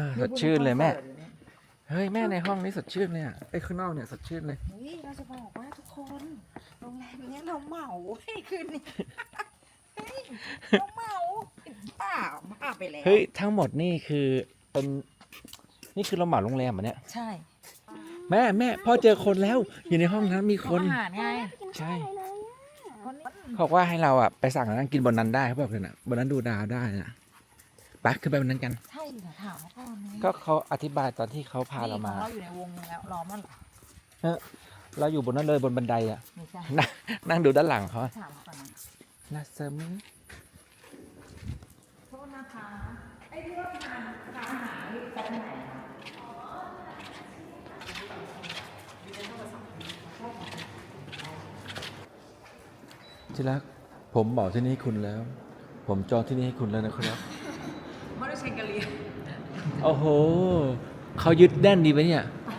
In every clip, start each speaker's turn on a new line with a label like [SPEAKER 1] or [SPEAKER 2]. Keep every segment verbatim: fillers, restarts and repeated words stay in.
[SPEAKER 1] สดชื่นเลยแม่เฮ้ยแม่ในห้องนี้สดชื่นเลยอ่ะไอ้ข้างนอกเนี่ยสดชื่นเลย
[SPEAKER 2] เฮ้ยเราจะบอกว่าทุกคนโรงแรมเนี้ยเราเหมาให้คืนนี้เฮ้ยเราเหมาป้าบ้าไปแล้ว
[SPEAKER 1] เฮ้ยทั้งหมดนี่คือเป็นนี่คือเราเหมาโรงแรมเหรอเนี่ย
[SPEAKER 2] ใช่
[SPEAKER 1] แม่แม่พ่อเจอคนแล้วอยู่ในห้องนั้นมีคน
[SPEAKER 2] อาหารไง
[SPEAKER 1] ใช่เขาบอกว่าให้เราอ่ะไปสั่งนั่งกินบนนั้นได้เขาบอกเลยนะบนนั้นดูดาวได้นะไปขึ้นไปบนนั้นกัน
[SPEAKER 2] ใช่เหรอถามเขาก่อนไหม
[SPEAKER 1] ก็เขาอธิบายตอนที่เขาพาเรามา
[SPEAKER 2] เราอยู่ในวงนึงแล้วรอมันเหรอ
[SPEAKER 1] เราอยู่บนนั้นเลยบนบันไดอ่ะ
[SPEAKER 2] ไม่ใช่
[SPEAKER 1] นั่งนั่งดูด้านหลังเขา
[SPEAKER 2] ถามเขาก่อนนะ
[SPEAKER 1] นะเซมิง
[SPEAKER 2] โทษนะคะไอ้ที่ว่าทานทานอาหารนี่จากไหนคะ
[SPEAKER 1] ที่รักผมบอกที่นี่ให้คุณแล้ว ผมจองที่นี่ให้คุณแล้วนะครับ
[SPEAKER 2] ไม่ได้เชงกะเลีย
[SPEAKER 1] โอ้โหเขายึดแน่นดีไหมเนี่ย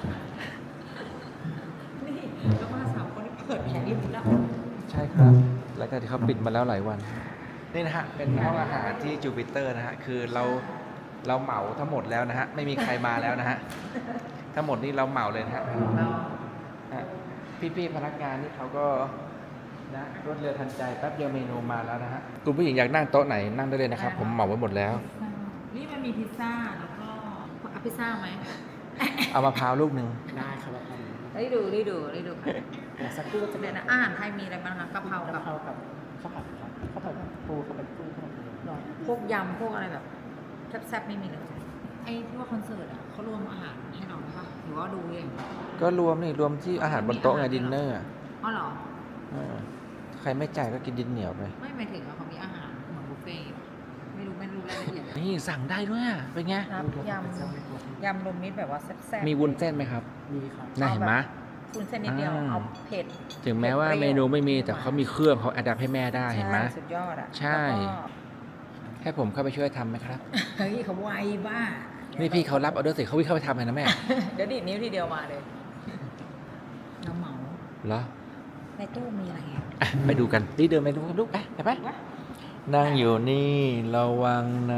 [SPEAKER 2] นี่แล้วมาสามคนที่เปิดแผงริมแล้ว
[SPEAKER 1] ใช่ครับหลังจากที่เขาปิดมาแล้วหลายวัน นี่นะฮะ เป็นห้องอาหารที่จูปิเตอร์นะฮะ คือเราเราเหมาทั้งหมดแล้วนะฮะ ไม่มีใครมาแล้วนะฮะ ทั้งหมดนี่เราเหมาเลยนะฮะฮะพี่ๆพนักงานนี่เขาก็นะรวดเร็วทันใจแป๊บเดียวเมนูมาแล้วนะฮะ คุณผู้หญิงอยากนั่งโต๊ะไหนนั่งได้เลยนะครับ ผมเหมาไว้หมดแล้ว
[SPEAKER 2] นี่มันมีพิซซ่าแล้วก็เอาพิซซ่าไหม
[SPEAKER 1] เอามะพร้าวลูกหนึ่ง
[SPEAKER 3] ได้ครับ
[SPEAKER 2] ได้ดูได้ดูได้ดูค่ะ
[SPEAKER 3] เดี๋ยวสักครู่จะ
[SPEAKER 2] เดี๋
[SPEAKER 3] เป็
[SPEAKER 2] ย
[SPEAKER 3] น
[SPEAKER 2] วนะอาหารไทยมีอะไรบ้างคะกะเพรา
[SPEAKER 3] กะ
[SPEAKER 2] กับ
[SPEAKER 3] เพรากับข้าวผัดครับข้าวผัดปูข้าวผัดปูข้าวผัดปู
[SPEAKER 2] หรอพวกยำพวกอะไรแบบแซ่บๆไม่มีเลยไอ้ที่ว่าคอนเสิร์ตอ่ะเขารวมอาหารให้เราไหมคะหรือว่าดูเอง
[SPEAKER 1] ก็รวมนี่รวมที่อาหารบนโต๊ะไงดินเนอร์
[SPEAKER 2] อ๋อเหรอ
[SPEAKER 1] ใครไม่จ่ายก็กินดินเหนียวไป
[SPEAKER 2] ไม่หมายถึงว่าเขามีอาหารเหมือนบุฟเฟ่ต์ไม่รู้ไม่รู้รายละเอียด
[SPEAKER 1] นี่สั่งได้ด้วยอะเป็นไง
[SPEAKER 2] ครับยำยำรวมมิตรแบบว่าแซ่บๆ
[SPEAKER 1] มีวุ้นเส้นไหมครับ
[SPEAKER 3] มีครับ
[SPEAKER 1] น่าเห็นไหม
[SPEAKER 2] คุณเส้นนิดเดียว
[SPEAKER 1] อ่า
[SPEAKER 2] เอาเผ็ด
[SPEAKER 1] ถึงแม้ว่าเมนูไม่มีแต่เขามีเครื่องเขาอัดให้แม่ได้เห็นไหม
[SPEAKER 2] ใช่สุดยอดอ่ะ
[SPEAKER 1] ใช่
[SPEAKER 2] แล้วก็
[SPEAKER 1] ให้ผมเข้าไปช่วยทำไหมครับ
[SPEAKER 2] เฮ้ยเขาไวบ้า
[SPEAKER 1] นี่พี่เขารับออเดอร์เสร็จเขาวิ่งเข้าไปทำเลยนะแม่
[SPEAKER 2] เดี๋ยวดีดนิ้วทีเดียวมาเลยน้ำเหมา
[SPEAKER 1] เหรอ
[SPEAKER 2] ในตู้มีอะไรอ่ะ
[SPEAKER 1] อ่ะไปดูกันนี่เดินไปดูกันลูกไปไปไปนั่งอยู่นี่ระวังนะ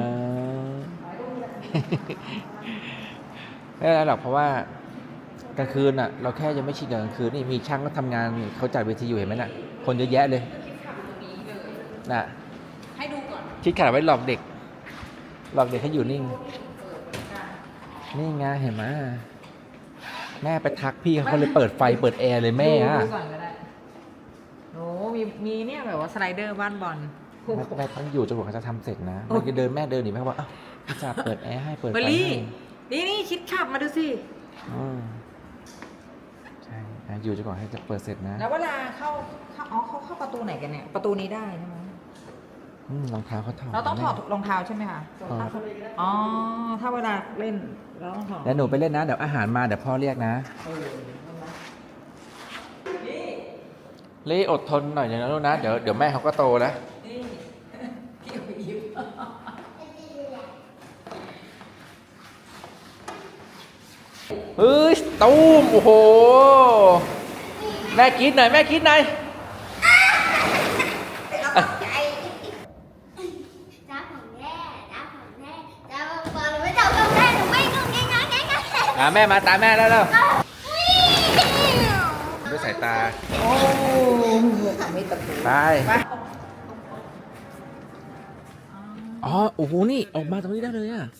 [SPEAKER 1] ไม่เป็นไรหรอกเพราะว่ากลางคืนอ่ะ เราแค่ยังไม่ชินกับกลางคืนนี่มีช่างก็ทำงานเขาจัดเวทีอยู่เห็นไหมน่ะ คนเยอะแยะเลยน่ะ
[SPEAKER 2] ให้ดูก่อน
[SPEAKER 1] คิดขนาดไว้หลอกเด็ก หลอกเด็กให้อยู่นิ่ง นี่ไงเห็นไหมแม่ไปทักพี่เขาเลยเปิดไฟเปิดแอร์เลยแม่อะ
[SPEAKER 2] ดูก่อนก็ได้โอ้มีมีเนี่ยแบบว่าสไลเดอร์บ้านบอล
[SPEAKER 1] แม่แม่ต้องอยู่จนกว่าเขาจะทำเสร็จนะแม่จะเดินแม่เดินหนีแม่ว่าอ้าวพี่จ่าเปิดแอร์ให้เปิดไฟ
[SPEAKER 2] เบอร์
[SPEAKER 1] ให้
[SPEAKER 2] รี่นี่นี่คิดขับมาดูสิ
[SPEAKER 1] อืมใช่นะอยู่จนกว่าให้จะเปิดเสร็จนะ
[SPEAKER 2] แล้วเวลาเข้าเข้าอ๋อเขาเข้าประตูไหนกันเนี่ย ประตูนี้ได้ใช่ไหม
[SPEAKER 1] อืมรองเท้าเขาถอด
[SPEAKER 2] เราต้องถอด
[SPEAKER 1] แม่
[SPEAKER 2] รองเท้าใช่ไหมคะ
[SPEAKER 1] ถอด
[SPEAKER 2] อ๋อ ถ้าเวลาเล่นเราต้องถอด
[SPEAKER 1] แล้วหนูไปเล่นนะเดี๋ยวอาหารมาเดี๋ยวพ่อเรียกนะ
[SPEAKER 2] เออเห็นไหม
[SPEAKER 1] ลี่อดทนหน่อยนะลูกนะเดี๋ยวเดี๋ยวแม่เขาก็โตแล้ว
[SPEAKER 2] นี่พี่เอาไปยิ้ม
[SPEAKER 1] เฮ้ยตูมโอ้โหแม่คิดหน่อยแม่คิดหน่อย
[SPEAKER 4] จ้าของแม่จ้าของแม่จ้าบอลไม่จับกับแม่หนูไม่งงง่ายง่ายง่ายง่าย
[SPEAKER 1] อ่ะแม่มาตามแม่แล้วแล้วด้วยสายตา
[SPEAKER 2] โอ้ทำให้ตะปู
[SPEAKER 1] ไป
[SPEAKER 2] ไป
[SPEAKER 1] อ๋อโอ้โหนี่ออกมาตรงนี้ได้เลยอ่ะ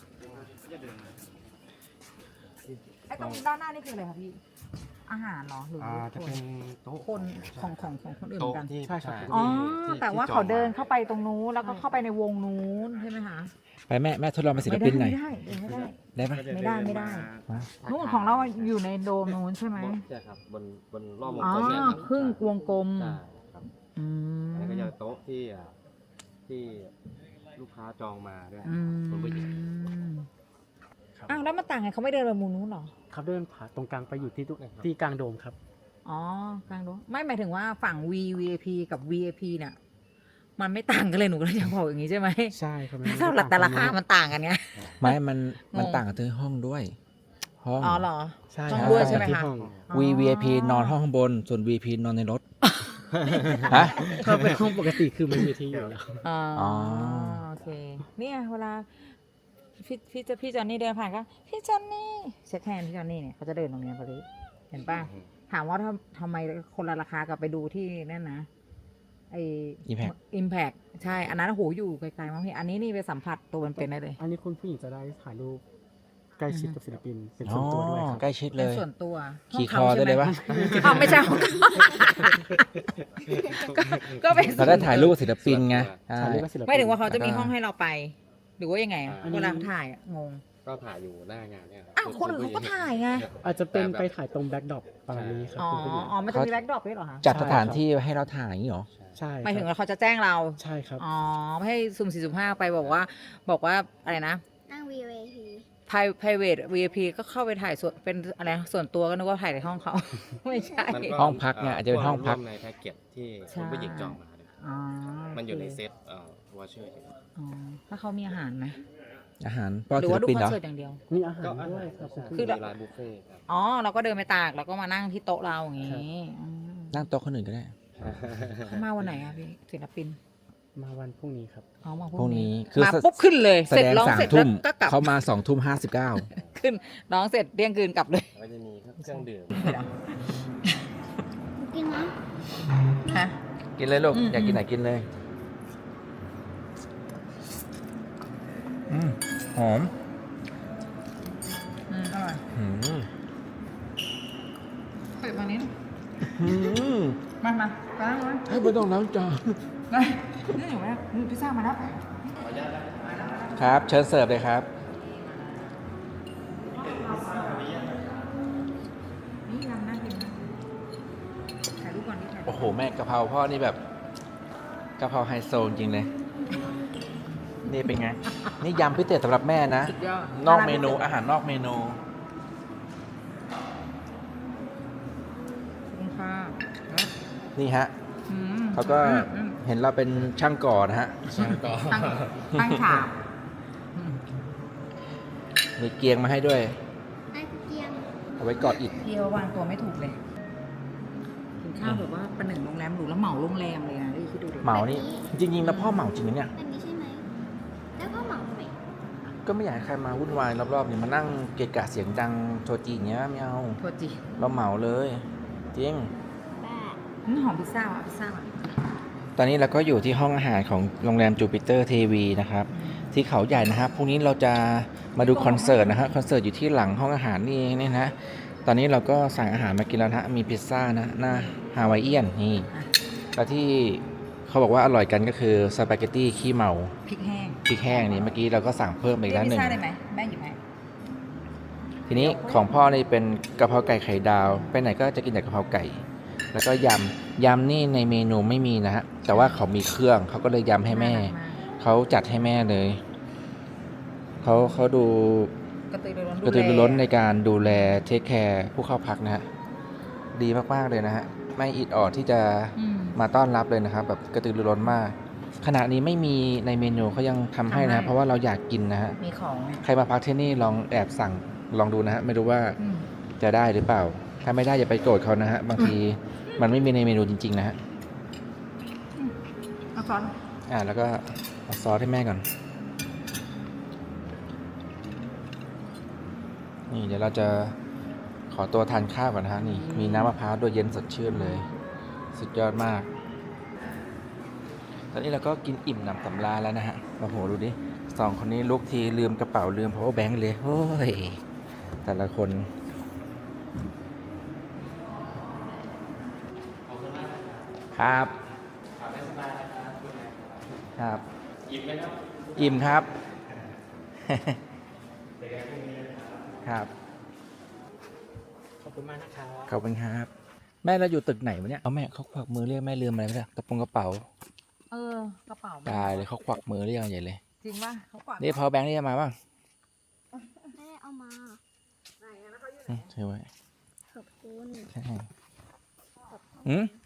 [SPEAKER 2] ไอ้ตรงด้านหน้านี่คืออะไรคะพี่ อาหารเหรอหรือ
[SPEAKER 3] อ่า
[SPEAKER 2] ค
[SPEAKER 3] จะ
[SPEAKER 2] น
[SPEAKER 3] เป็นโต๊ะ
[SPEAKER 2] คนของของของคนอื่นเหมื
[SPEAKER 3] โต๊ะ
[SPEAKER 2] อนกัน
[SPEAKER 3] ที่ใช่ครับ
[SPEAKER 2] อ๋อ
[SPEAKER 3] ที่
[SPEAKER 2] แต่ว่า
[SPEAKER 3] ที่จ
[SPEAKER 2] เขา
[SPEAKER 3] อง
[SPEAKER 2] เดิน
[SPEAKER 3] ม
[SPEAKER 2] เข้าไปตรงนู้นแล้วก็เข้าไปในวงนู้นใช่ไหมคะ
[SPEAKER 1] ไปแม่แม่ทดลองเป็นศิลปินหน่อย
[SPEAKER 2] ไม่ได้เดินไม่ได้
[SPEAKER 1] ได้ปะ
[SPEAKER 2] ไม่ได้ไม่ได้
[SPEAKER 1] มา
[SPEAKER 2] นู่นของเราอยู่ในโดมนู้นใช่ไหม
[SPEAKER 3] ใช่ครับบนบนรอบวง
[SPEAKER 2] อ๋อก
[SPEAKER 3] ลมเนี่ยครับ
[SPEAKER 2] ครึ่งวงกลม
[SPEAKER 3] ใช่ครับ
[SPEAKER 2] อืม
[SPEAKER 3] อันนี้ก็จะโต๊ะที่อ่าที่ลูกค้าจองมาด้วย
[SPEAKER 2] อืม
[SPEAKER 3] คนผู้หญิง
[SPEAKER 2] อ้าวแล้วมันต่างไงเขาไม่เดินไปมุมนู้นเหรอ
[SPEAKER 5] เขาเดินผ่านตรงกลางไปอยู่ที่ทุกที่กลางโดมครับ
[SPEAKER 2] อ๋อกลางโดมไม่หมายถึงว่าฝั่ง V วี ไอ พี กับ วี ไอ พี เนี่ย มันไม่ต่างกันเลยหนูก็เลยจะบอกอย่างนี้ใช่ไหม
[SPEAKER 5] ใช่ครับ
[SPEAKER 2] ถ้าหลักแต่ราคามันต่างกันไง
[SPEAKER 1] ไม่มันมัน
[SPEAKER 2] งง
[SPEAKER 1] ต่างกับที่ห้องด้วย ห้อง
[SPEAKER 2] อ๋อเหรอ
[SPEAKER 5] ใช่
[SPEAKER 2] ห้อง
[SPEAKER 5] ครับ
[SPEAKER 2] ด้วยใช่ไหม
[SPEAKER 5] ที่
[SPEAKER 2] คะ
[SPEAKER 5] ห้อง
[SPEAKER 1] วี วี ไอ พี นอนห้องข้างบน ส่วน วี พี นอนในรถ ฮะ
[SPEAKER 5] ถ้าเป็นห้องปกติคือมันมีที่อยู่แล้ว
[SPEAKER 2] อ๋อ
[SPEAKER 1] อ๋อ
[SPEAKER 2] โอเค เนี่ยเวลาพี่พี่จะพี่จอนนี่เดินผ่านก็พี่จอนนี่เช็คแฮนด์พี่จอนนี่เนี่ยเขาจะเดินตรงเนี้ยพอดีเห็นป่ะถามว่าทำทำไมคนละราคากับไปดูที่นั่นนะไอ
[SPEAKER 1] Impact
[SPEAKER 2] อิมแพกใช่อันนั้นโอ้โหอยู่ไกลๆมากพี่อันนี้นี่ไปสัมผัสตัวเป็นๆได้เลย
[SPEAKER 5] อันนี้คุณผู้หญิงจะได้ถ่ายรูปใกล้ชิดกับศิลปินเป็น
[SPEAKER 1] อ๋
[SPEAKER 5] ส่
[SPEAKER 1] อ
[SPEAKER 5] วนตัวด้วยครับ
[SPEAKER 1] ใกล้ชิดเล
[SPEAKER 2] เป็น
[SPEAKER 1] ย
[SPEAKER 2] ส่วนตัว
[SPEAKER 1] ขี่ค
[SPEAKER 2] ห้
[SPEAKER 1] อง
[SPEAKER 2] ขา
[SPEAKER 1] ได้เลยปะ
[SPEAKER 2] อ้าวไม่ใช่ของเขาก็ก็เป็น
[SPEAKER 1] เราได้ถ่ายรูปกับศิลปินไงใช่
[SPEAKER 5] ถ่ายรูปกับศิลปิน
[SPEAKER 2] ไม่ถึงว่าเขาจะมี
[SPEAKER 1] แล้วก็
[SPEAKER 2] ห้องให้เราไป หรือว่ายังไงอะ
[SPEAKER 3] อ่า
[SPEAKER 2] เวลาถ่ายอะงง
[SPEAKER 3] ก็ถ่ายอยู่หน้างานเนี่ยรับ
[SPEAKER 2] อ้าวคนอื่นเขาก็ถ่ายไง
[SPEAKER 5] อาจจะเป็นไปถ่ายตรงแบ็คดรอปประมาณนี้ครับ
[SPEAKER 2] อ๋อ
[SPEAKER 5] คุณผู้หญิง
[SPEAKER 2] อ๋อมันจะมีแบ็คดรอปด้วยเหรอคะ
[SPEAKER 1] จัดสถานที่ให้เราถ่ายอย่างนี้เหรอ
[SPEAKER 5] ใช่
[SPEAKER 2] หมายถึง
[SPEAKER 5] ครับ
[SPEAKER 2] ว่าเขาจะแจ้งเรา
[SPEAKER 5] ใช่ครับ
[SPEAKER 2] อ๋อไม่ให้สุ่มสี่สุ่มห้าไปบอกว่า บอกว่าอะไรนะ
[SPEAKER 4] นั่ง วี ไอ พี
[SPEAKER 2] private วี ไอ พี ก็เข้าไปถ่ายส่วนเป็นอะไรนะส่วนตัวก็นึกว่าถ่ายในห้องเขา ไม่ใช่
[SPEAKER 3] มันก็
[SPEAKER 1] ห้องพักเนี่ยอาจจะเป็นห้องพัก
[SPEAKER 3] ร่วมในแพ็กเกจที่
[SPEAKER 2] ใช่
[SPEAKER 3] คุณผู้หญิงจองมาเนี่ย
[SPEAKER 2] อ๋อ
[SPEAKER 3] มันอยู่ในเซ็ตเอ่อวอเชอร์อยู่
[SPEAKER 2] อ๋อถ้าเขามีอาหารไหม
[SPEAKER 1] อาหารป้อน
[SPEAKER 2] หรือ
[SPEAKER 1] ศิล
[SPEAKER 2] ว่าดู
[SPEAKER 1] ปิน
[SPEAKER 2] คอ
[SPEAKER 1] เหร
[SPEAKER 2] น
[SPEAKER 1] อ
[SPEAKER 2] เสิร์ตอย่างเดียว
[SPEAKER 5] มีอาหาร
[SPEAKER 3] ก็อา
[SPEAKER 5] ด้ว
[SPEAKER 3] หาย ร
[SPEAKER 5] ครับ
[SPEAKER 3] ใช่
[SPEAKER 5] คุณ
[SPEAKER 2] คื
[SPEAKER 5] ผู้
[SPEAKER 2] อ
[SPEAKER 5] หญิง
[SPEAKER 3] มีร้านบุฟเฟ่ต์ครับ
[SPEAKER 2] อ๋อเราก็เดินไปตากแล้วก็มานั่งที่โต๊ะเราอย่างนี้อืม
[SPEAKER 1] นั่งโต๊ะคนอื่นก็ได้
[SPEAKER 2] เขามาวันไหนอะพี่ศิลปิน
[SPEAKER 5] มาวันพรุ่งนี้ครับ
[SPEAKER 2] อ๋อมา
[SPEAKER 1] พรุ่งนี้
[SPEAKER 2] คือมาปุ๊บขึ้นเลย
[SPEAKER 1] แส
[SPEAKER 2] เสร็จ
[SPEAKER 1] ดง
[SPEAKER 2] ร้อง
[SPEAKER 1] สาม
[SPEAKER 2] เสร็จ
[SPEAKER 1] ทุ่
[SPEAKER 2] แล้ว
[SPEAKER 1] ม
[SPEAKER 2] ก็กลับ
[SPEAKER 1] เขามาสองทุ่มห้าสิบเก้า
[SPEAKER 2] ขึ้นร้องเสร็จเรียงคืนกลับเลย
[SPEAKER 3] ก็จะมีเครื่องดื่ม
[SPEAKER 4] กินนะ
[SPEAKER 2] ฮะ
[SPEAKER 1] กินเลยลูก
[SPEAKER 2] อืม
[SPEAKER 1] อยากกินไหนกินเลยอืมหอม
[SPEAKER 2] อืมอร่อย
[SPEAKER 1] อืม
[SPEAKER 2] เปิดมานี้
[SPEAKER 1] อืม
[SPEAKER 2] มามาไปนั่งเลย
[SPEAKER 1] ให้ไม่ต้องล้างจาน
[SPEAKER 2] ไปนี่อยู่ไหมนี่พิซซ่ามาแล้ว
[SPEAKER 1] ครับ เชิญเสิร์ฟเลยครับ
[SPEAKER 2] นี่ยำน่ากินนะถ่ายรูปก่อนดิถ่ายรูป
[SPEAKER 1] โอ้โห แม่กะเพราพ่อนี่แบบกะเพราไฮโซจริงเลย นี่เป็นไง นี่ยำพิเศษสำหรับแม่นะ
[SPEAKER 2] สุดยอด
[SPEAKER 1] นอกเมนูอาหารนอกเมนู
[SPEAKER 2] ขอบคุณค่ะ
[SPEAKER 1] นี่ฮะ
[SPEAKER 2] อืม
[SPEAKER 1] เขาก็
[SPEAKER 2] อืมอืม
[SPEAKER 1] เห็นเราเป็นช่างก่อนะฮะ
[SPEAKER 3] ช่างก็
[SPEAKER 2] ตั้งตั้งฉากอืม
[SPEAKER 1] มีเกียงมาให้ด้วย
[SPEAKER 4] ไอ้เกียง
[SPEAKER 1] เอาไว้กอดอิฐ
[SPEAKER 2] พี่ว่าวางตัวไม่ถูกเลยกินข้าวแบบว่าประหนึ่งโรงแรมหรูแล้วเหมาโรงแรมเลยนะนี่คิดดูดิ
[SPEAKER 1] เหมานี่ จริงๆแล้วพ่อเหมาจริงนะเนี่ย
[SPEAKER 4] แบบนี้ใช่ไหม แล้วก็เหมาทำไม
[SPEAKER 1] ก็ไม่อยากให้ใครมาวุ่นวายรอบๆเนี่ยมานั่งเกะกะเสียงดังโชว์จีอย่างเงี้ยไม่เอา
[SPEAKER 2] โทษจี
[SPEAKER 1] เราเหมาเลย จริง
[SPEAKER 4] บ้า
[SPEAKER 2] อืมหอมพิซซ่าว่ะพิซซ่าว่ะ
[SPEAKER 1] ตอนนี้เราก็อยู่ที่ห้องอาหารของโรงแรมจูปิเตอร์ทีวีนะครับ ที่เขาใหญ่นะครับพรุ่งนี้เราจะมาดูคอนเสิร์ตนะฮะคอนเสิร์ตอยู่ที่หลังห้องอาหารนี่นี่นะ ตอนนี้เราก็สั่งอาหารมากินแล้วนะฮะมีพิซซ่านะหน้าฮาวายเอียนนี่แล้วที่เขาบอกว่าอร่อยกันก็คือสปาเกตตี้ขี้เมา
[SPEAKER 2] พริกแห้ง
[SPEAKER 1] พริกแห้งนี่เมื่อกี้เราก็สั่งเพิ่มไปอีกแล้วหนึ่ง
[SPEAKER 2] พิซซ่าได้ไหมแม่หยิบให้
[SPEAKER 1] ทีนี้ของพ่อนี่เป็นกะเพราไก่ไข่ดาว ไปไหนก็จะกินแต่กะเพราไก่ แล้วก็ยำยำนี่ในเมนูไม่มีนะฮะแต่ว่าเขามีเครื่องเขาก็เลยยำให้แม่
[SPEAKER 2] น่ารักมาก
[SPEAKER 1] เขาจัดให้แม่เลยเขาเขาดู
[SPEAKER 2] กระตือรือร้น
[SPEAKER 1] กระตือรือร้นในการดูแลเทคแคร์ผู้เข้าพักนะฮะดีมากๆเลยนะฮะไม่อิดออดที่จะ
[SPEAKER 2] อืม
[SPEAKER 1] มาต้อนรับเลยนะครับ แบบกระตือรือร้นมาก ขณะนี้ไม่มีในเมนูเขายังทำให้นะฮะเพราะว่าเราอยากกินนะฮะ
[SPEAKER 2] มีของไง
[SPEAKER 1] ใครมาพักที่นี่ลองแอบสั่งลองดูนะฮะไม่รู้ว่า
[SPEAKER 2] อืม
[SPEAKER 1] จะได้หรือเปล่า ถ้าไม่ได้อย่าไปโกรธเขานะฮะบางทีมันไม่มีในเมนูจริงๆนะฮะ
[SPEAKER 2] เอาช้อน
[SPEAKER 1] อ่าแล้วก็เอาซอสให้แม่ก่อนนี่เดี๋ยวเราจะขอตัวทานข้าวก่อนนะฮะนี่มีน้ำมะพร้าวด้วยเย็นสดชื่นเลย สุดยอดมาก ตอนนี้เราก็กินอิ่มหนำสำราญแล้วนะฮะโอ้โหดูดิสองคนนี้ลุกทีลืมกระเป๋าลืม power bank เลยโอ้ยแต่ละคนครับครับอิ่มไหมครับอิ่มครับ ครับ
[SPEAKER 5] ขอบคุณมากนะครับ
[SPEAKER 1] ขอบคุณครับ แม่เราอยู่ตึกไหนวะเนี่ยเอาแม่เขาควักมือเรียกแม่ลืมอะไรไม่ได้กระโปรงกระเป๋า
[SPEAKER 2] เออกระเป๋า
[SPEAKER 1] ตายเลยเขาควักมือเรียกกันใหญ่เลย
[SPEAKER 2] จริงป่ะเขากวาด
[SPEAKER 1] นี่ power bank นี่จะมาป่ะ
[SPEAKER 4] ไม่ได้เอามา
[SPEAKER 1] อืมถือไว้
[SPEAKER 4] ขอบคุณ
[SPEAKER 1] ใช่อืม